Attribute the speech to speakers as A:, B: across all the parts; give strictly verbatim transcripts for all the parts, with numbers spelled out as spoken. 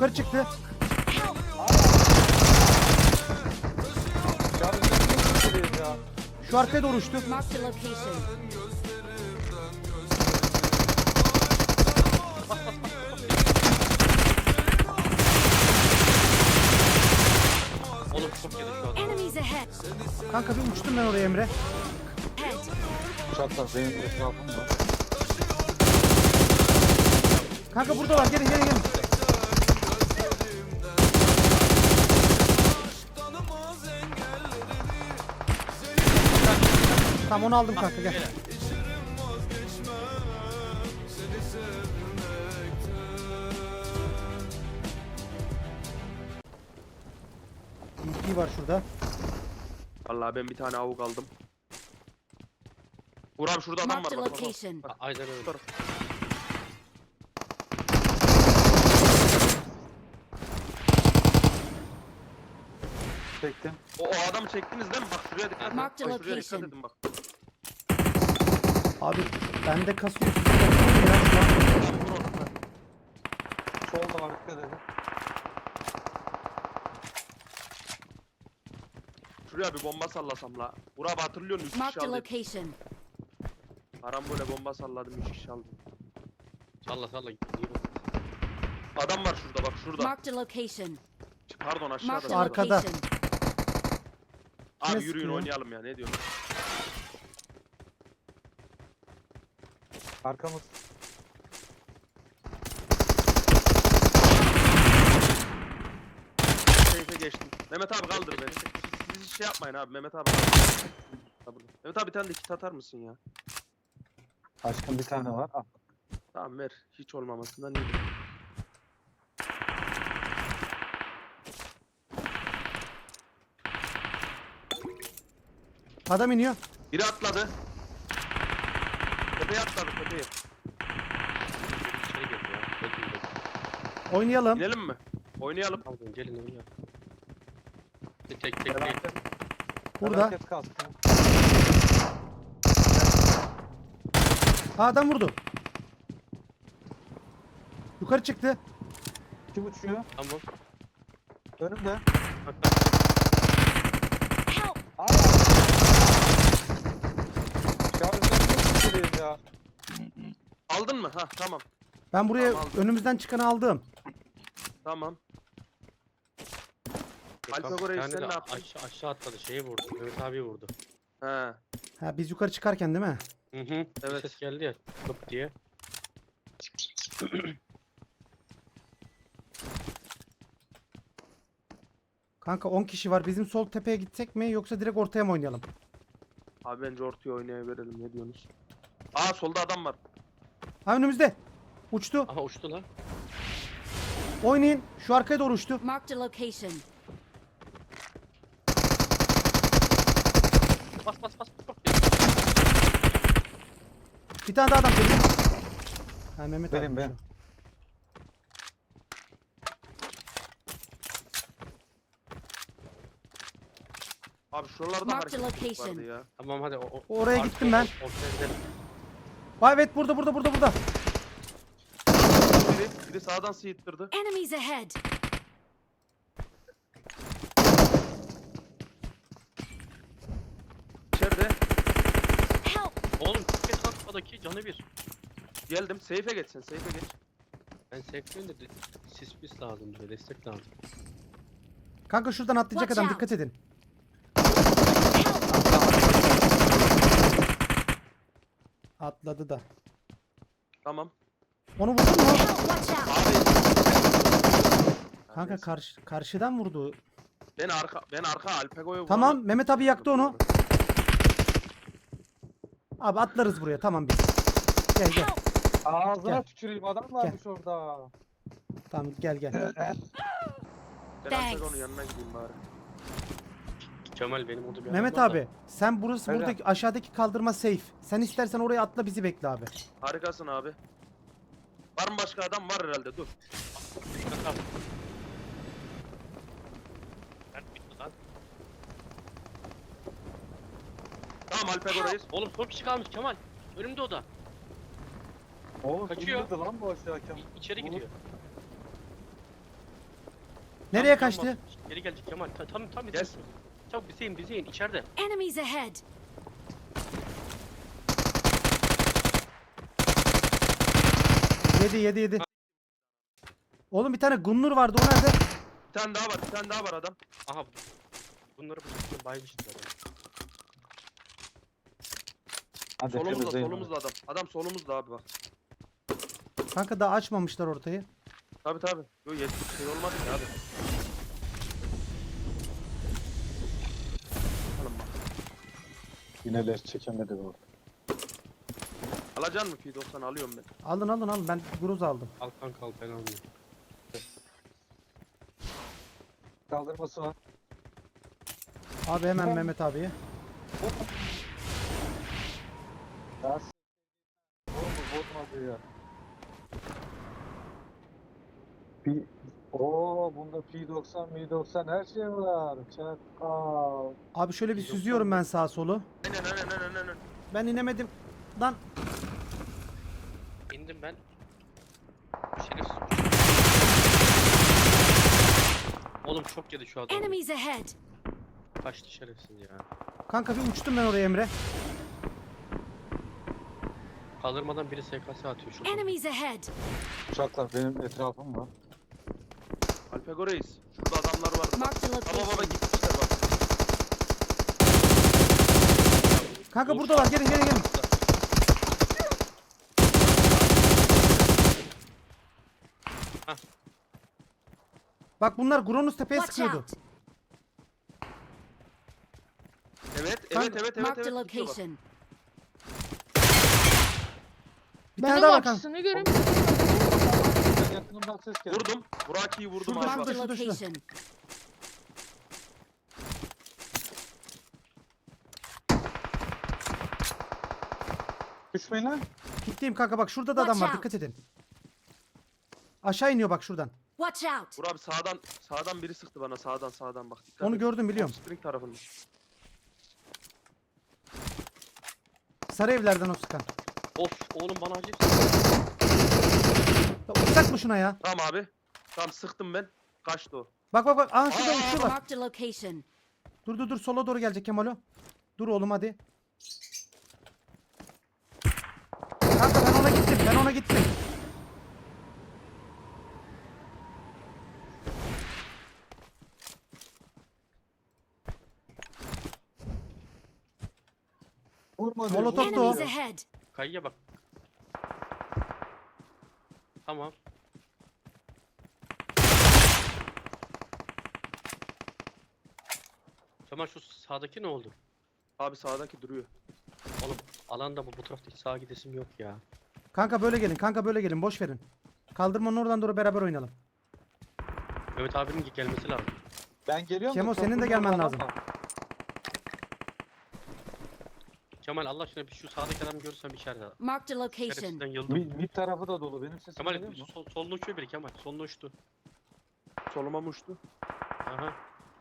A: Yukarı çıktı. Şu arkaya doğru uçtu.
B: Marked a location.
C: Oğlum çok yedi şu an.
B: Enemies ahead.
A: Kanka bir uçtum ben oraya Emre.
B: Ahead.
D: Uçaklar benim etrafımda.
A: Kanka buradalar, gelin gelin gelin. Tamam onu aldım kanka, gel. D P var şurada.
E: Vallahi ben bir tane avuk aldım. Uğur abi şurada adam var
B: Marked a
E: bak. bak, bak.
B: location.
C: A- Aynen öyle.
E: Şu taraf.
D: Çektim.
E: O, o adamı çektiniz değil mi? Bak şuraya dikkat edin.
B: Marked
E: Bak
B: a
E: şuraya dikkat
B: location.
E: edin bak.
A: Abi bende kasıyor. Sizde kasıyor ya şu an.
E: Tamam, vur onu.
D: Solda var, dikkat edin.
E: Şuraya bir bomba sallasam la. Uğur abi hatırlıyor musun? üç kişi
B: Marked a
E: aldım.
B: location.
E: Param böyle bomba salladım üç kişi aldım.
C: Salla salla. İyi bak.
E: Adam var şurada bak şurada.
B: Marked a location.
E: Pardon aşağıda.
B: Marked a
E: şurada.
A: Arkada.
B: location.
E: Abi
A: Kime
E: yürüyün
A: sıkıyor?
E: oynayalım ya ne diyorsun?
D: Arkamız.
E: Seyfe geçtim. Mehmet abi kaldır beni. Siz, siz hiç şey yapmayın abi Mehmet abi. kaldır. Ha, burada. Mehmet abi bir tane de kit atar mısın ya?
D: Aşkım bir tane var. Al.
E: Tamam ver. Hiç olmamasından iyidir.
A: Adam iniyor.
E: Biri atladı. Tepeye atladı tepeye.
C: İçeri girdi ya. Bekle bekle.
A: Oynayalım.
E: İnelim mi? Oynayalım.
C: Aldın gelin oynayalım. Tek tek tek değil.
D: Felaket.
A: Burada.
D: Felaket kastı.
A: Aa, adam vurdu. Yukarı çıktı.
D: Kim uçuyor?
C: Tamam.
D: Önümde.
C: Bak bak.
B: Help!
D: Aa! Şarjdan çok geliyor ya.
E: Aldın mı? Ha tamam.
A: Ben buraya
E: Tamam, aldım.
A: önümüzden çıkanı aldım.
E: Tamam.
C: Gökhan
E: Alfa Kore'yi
C: bir tane
E: sen
C: de
E: ne yaptın?
C: Aşağı, aşağı atladı. Şeyi vurdu. Mehmet abi vurdu.
E: He.
A: Ha, biz yukarı çıkarken değil mi?
C: Hı hı. Evet.
E: Evet.
C: Ses geldi ya. Tıp diye.
A: Kanka on kişi var. Bizim sol tepeye gitsek mi yoksa direkt ortaya mı oynayalım?
E: Abi bence ortaya oynayıverelim ne diyorsunuz? Aa solda adam var.
A: Ha, önümüzde. Uçtu.
C: Aha uçtu lan.
A: Oynayın. Şu arkaya doğru uçtu.
B: Marked a location.
C: Bas bas bas. bas.
A: Bir tane daha adam geliyor. Ha, Mehmet
D: Benim
A: abi.
D: benim.
E: Abi şuralarda
B: Marked a
E: hareketlilik
B: location.
E: vardı ya.
C: Tamam hadi. O, o-
A: Oraya
C: arkaya-
A: gittim ben.
C: Ortaya gidelim.
A: Vay, evet, burada burada burada burada.
E: Biri, biri sağdan sıyıttırdı.
B: Enemies ahead.
E: İçeride.
B: Help!
C: Oğlum kes atmadaki canı bir.
E: Geldim. Seyfe geç sen. Seyfe geç.
C: Ben sekmeyin de de- sis pis lazım bize. Destek lazım.
A: Kanka şuradan atlayacak
B: Watch
A: adam,
B: out.
A: dikkat edin.
B: Help!
A: Atladı da.
E: Tamam.
A: Onu vurdun mu?
B: Help! Watch out!
E: Abi.
A: Kanka karşı, karşıdan vurdu.
E: Ben arka ben arka Alpego'yu
A: Tamam, Mehmet abi yaktı onu. Abi atlarız buraya, tamam biz. Gel gel.
B: Help!
D: Ağzına
A: Gel.
D: tüküreyim, adam varmış orada.
A: Tamam gel gel.
E: Ben
B: Thanks.
E: Alpego'nun yanına gideyim bari.
C: Kemal benim orada bir adam
A: Mehmet
C: var da.
A: abi sen burası
D: Öyle.
A: buradaki aşağıdaki kaldırma safe. Sen istersen oraya atla, bizi bekle abi.
E: Harikasın abi. Var mı başka adam? Var herhalde dur.
C: Tamam. Nerede bitti lan?
E: Tamam Alpego'dayız.
C: Oğlum son kişi kalmış Kemal. Önümde o da.
D: Oğlum
C: Kaçıyor.
D: indirdi lan bu aşağı hakem.
C: İ- içeri
D: Oğlum.
C: gidiyor.
A: Nereye
C: Tam-
A: kaçtı?
C: tam- Geri gelecek Kemal. Ta- Tam tam
E: Gel.
C: bize. Çabuk bize in bize in içeride.
B: Enemies ahead.
A: Yedi yedi yedi. Oğlum bir tane Gunnur vardı o nerede?
E: Bir tane daha var, bir tane daha var adam.
C: Aha. Bunları bıçakla baymışız zaten.
D: Hadi
E: Solumuzda,
D: temizleyin
E: solumuzda adam. Adam solumuzda abi bak.
A: Kanka daha açmamışlar ortayı.
E: Tabi tabi. Yo yetmiş şey olmadı ki abi. Alın bak.
D: Yineler çekemedi orada.
E: Alacaksın mı P doksan alıyorum ben.
A: Alın alın alın ben Gruz aldım.
C: Al kanka al ben almıyorum.
D: Kaldırması var.
A: Abi hemen Mehmet abiye.
D: Ya s- Oğlum bozmadı ya. P... Oo bunda P doksan, M doksan her şey var. Çakal.
A: Abi şöyle bir
E: Yok,
A: süzüyorum
E: yok.
A: ben sağa solu.
E: Aynen aynen aynen aynen.
A: Ben inemedim. Lan
C: İndim ben. Şerefsiz. Oğlum çok yedi şu adam.
B: Enemies ahead.
C: Kaçtı şerefsiz ya.
A: kanka bir uçtum ben oraya Emre.
C: Kaldırmadan biri S K S atıyor şu.
B: Enemies ahead.
D: Uçaklar benim etrafım var.
E: Alpego Reis. Şurada adamlar vardı. Bak.
B: Marked a
E: Baba baba
B: location.
E: gitmişler bak.
A: Kanka
C: Of.
A: buradalar gelin gelin gelin.
C: Hah.
A: Bak bunlar Gronus tepeye
B: Watch
A: sıkıyordu.
B: out.
E: Evet evet
A: Kanka-
E: evet evet
B: Marked a
E: evet. gidiyor bak.
B: location.
A: Bir
F: Ben
A: tane
F: onun
A: daha var kanka.
F: açısını göreyim.
D: Yakınımdan ses geldi.
E: Vurdum. Buraki'yi vurdum
A: Şurada,
E: abi
B: Marked
E: bak.
B: a
A: şurada, şurada.
B: location.
D: Düşmeyin lan.
A: Gittiğim kanka bak şurada da adam
B: Watch
A: var
B: out.
A: dikkat edin. Aşağı iniyor bak şuradan.
B: Watch out.
E: Vur abi sağdan sağdan biri sıktı bana sağdan sağdan bak. Dikkat
A: Onu
E: et.
A: gördüm biliyorum.
E: Spring tarafında.
A: Sarı evlerden o sıkan.
C: Of oğlum bana acil.
A: Ya uçsak mı şuna ya?
E: Tamam abi. Tamam sıktım ben. Kaçtı o.
A: Bak bak bak. Aa şurada
E: Aa,
A: uçuyorlar.
B: Marked a location.
A: Dur dur dur sola doğru gelecek Kemalo. Dur oğlum hadi. Kanka ben ona gittim. Ben ona gittim.
D: Vurma diyor.
A: Molotov
D: vurma
A: da o.
B: Enemies
D: diyor.
B: ahead.
C: Kayıya bak. Tamam. Kemal şu sağdaki ne oldu?
E: Abi sağdaki duruyor.
C: Oğlum alanda bu, bu tarafta hiç sağa gidesim yok ya.
A: Kanka böyle gelin. Kanka böyle gelin. Boş verin. Kaldırmanın oradan doğru beraber oynayalım.
C: Mehmet abinin gelmesi lazım.
D: Ben geliyorum. da
A: Kemo,
D: çok
A: senin de
D: vurma
A: gelmen
D: adam
A: lazım.
D: var.
C: Kemal Allah aşkına bir şu sağdaki adamı görürsen bir içeride.
B: Marked a location.
C: Şerefsizden yıldım.
D: Mid, mid tarafı da dolu. Benim sesim
C: Kemal
D: geliyor mu?
C: sol, soluna uçuyor biri Kemal. Soluna uçtu.
E: Soluma mı uçtu?
C: Aha.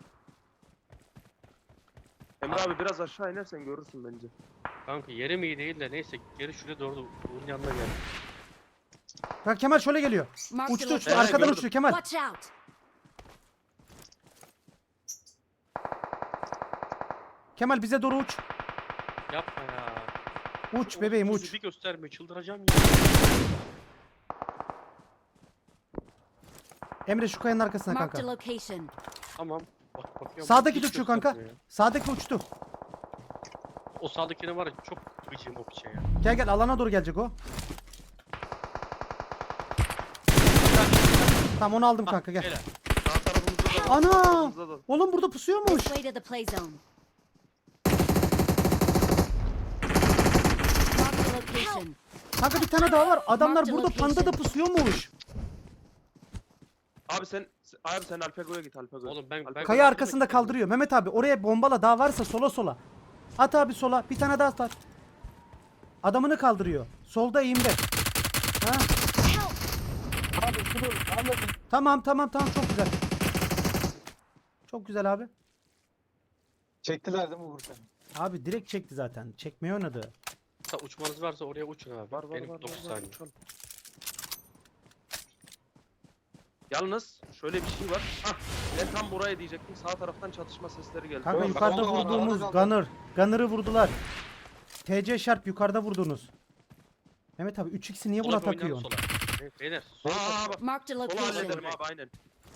E: Emre
C: Abi.
E: abi biraz aşağı inersen görürsün bence.
C: Kanka yerim iyi değil de neyse geri şuraya doğru Uğur'un yanına gel.
A: Bak Kemal şöyle geliyor.
B: Marked a
A: Uçtu uçtu.
B: location.
A: Arkadan
E: gördüm.
A: uçuyor Kemal.
B: Watch out.
A: Kemal bize doğru uç.
C: Yapma ya.
A: Uç bebeğim
C: Uğursuz
A: uç.
C: Bir göstermiyor çıldıracağım ya.
A: Emre şu kayanın arkasına
B: Marked a
A: kanka.
B: location.
C: Tamam. Bak bakıyorum.
A: Sağdaki
C: Hiç
A: de uçuyor kanka.
C: göstermiyor ya.
A: Sağdaki uçtu.
C: O sağdakine var ya çok gıcığım o piçe ya.
A: Gel gel alana doğru gelecek o. Tamam onu aldım kanka gel.
C: Helal.
E: Sağ tarafımızda da var. sağ
A: Ana!
E: tarafımızda da.
A: Oğlum burada pusuyormuş.
B: This way to the play zone. Marked a location.
A: Kanka bir tane daha var. Adamlar
B: Marked
A: burada
B: location.
A: panda da pusuyormuş.
E: Abi sen abi sen Alpego'ya git Alpego'ya.
C: Oğlum ben- ben-
A: Kaya arkasında kaldırıyor. Mehmet abi oraya bombala daha varsa sola sola. At abi sola. Bir tane daha at. Adamını kaldırıyor. Solda eğimde. Ha?
B: Help.
D: Abi şunu anladın.
A: Tamam tamam tamam çok güzel. Çok güzel abi.
D: Çektiler değil mi Vurkan?
A: Abi direkt çekti zaten. Çekmeyi oynadı.
C: Hatta uçmanız varsa oraya uçun abi.
E: Var var
C: Benim
E: var.
C: dokuz
E: var, var.
C: saniye.
E: Uçalım. Yalnız şöyle bir şey var. Hah, ben tam buraya diyecektim. Sağ taraftan çatışma sesleri geldi.
A: Kanka
D: Yok,
A: yukarıda
D: kaldı, kaldı,
A: vurduğumuz
D: kaldı.
A: Gunner. Gunner'ı vurdular. T C Sharp yukarıda vurdunuz. Mehmet abi üç x'i niye buna
C: Sola bir oynayalım
A: takıyorsun?
C: sola. Evet, beyler.
E: Aa bak.
B: Marked a
E: Sola
B: location.
E: hallederim abi aynen.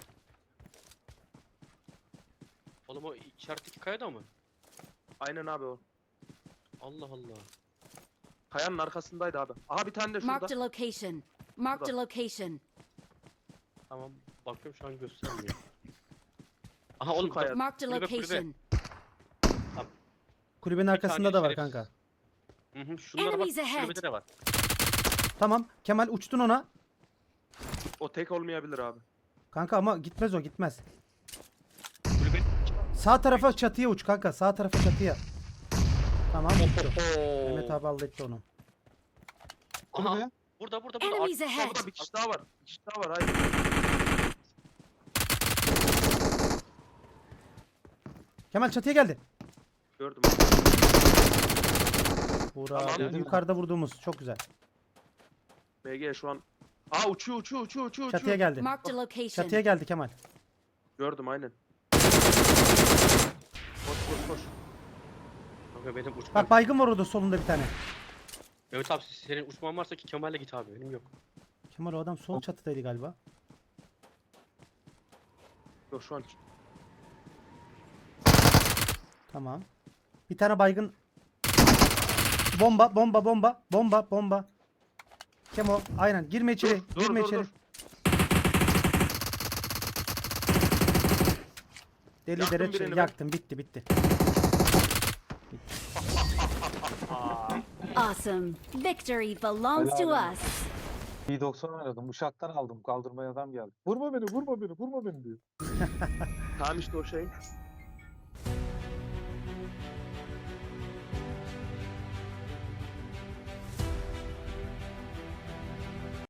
C: Oğlum o işaretteki kayada mı?
E: Aynen abi o.
C: Allah Allah.
E: Kayanın arkasındaydı abi. Aha bir tane de şurada.
B: Marked a location. Marked a location.
C: Tamam. Bakıyorum şu an göstermiyor. Aha oğlum
E: kayada.
C: bak.
B: Marked a
C: Kulübe, kulübe.
B: location.
A: Kulübenin
C: Bir
A: arkasında
C: tane
A: da var
C: şerefsiz.
A: kanka.
C: Hı hı. Şunlara bak.
B: Enemies ahead.
C: Kulübede de var.
A: Tamam. Kemal uçtun ona.
E: O tek olmayabilir abi.
A: Kanka ama gitmez o gitmez.
C: Kulübe.
A: Sağ tarafa çatıya uç kanka. Sağ tarafa çatıya. Tamam uçtu.
C: Oo.
A: Mehmet abi halletti onu.
C: Aha.
D: Kulübe.
C: Burada burada burada.
B: Enemies
C: Ar-
B: ahead.
E: Burada bir kişi daha var. Bir kişi daha var. Hayır.
A: Kemal çatıya geldi.
E: Gördüm.
A: Buğra
E: Tamam.
A: bu yukarıda vurduğumuz çok güzel.
E: B G şu an. Aa uçuyor uçuyor uçuyor uçuyor.
A: Çatıya
E: uçuyor.
A: geldi.
B: Marked a location.
A: Çatıya geldi Kemal.
E: Gördüm aynen. Koş koş koş.
C: Kanka benim uçmam.
A: Bak baygın var orada solunda bir tane.
C: Evet abi senin uçman varsa ki Kemal'le git abi. Benim yok.
A: Kemal o adam sol çatıdaydı galiba.
E: Yok şu an.
A: Tamam. Bir tane baygın. Bomba, bomba, bomba, bomba, bomba. Kemo, aynen. Girme içeri,
E: Dur, dur,
A: girme
E: dur,
A: içeri.
E: dur.
A: Deli
E: Yaktım
A: dere
E: birini
A: çe-
E: ben.
A: yaktım, bitti, bitti.
B: Awesome. Victory belongs to
D: Helal
B: us.
D: P doksan oynadım. Uşaktan aldım. Kaldırmaya adam geldi. Vurma beni, vurma beni, vurma beni diyor.
E: Tamam işte o şey.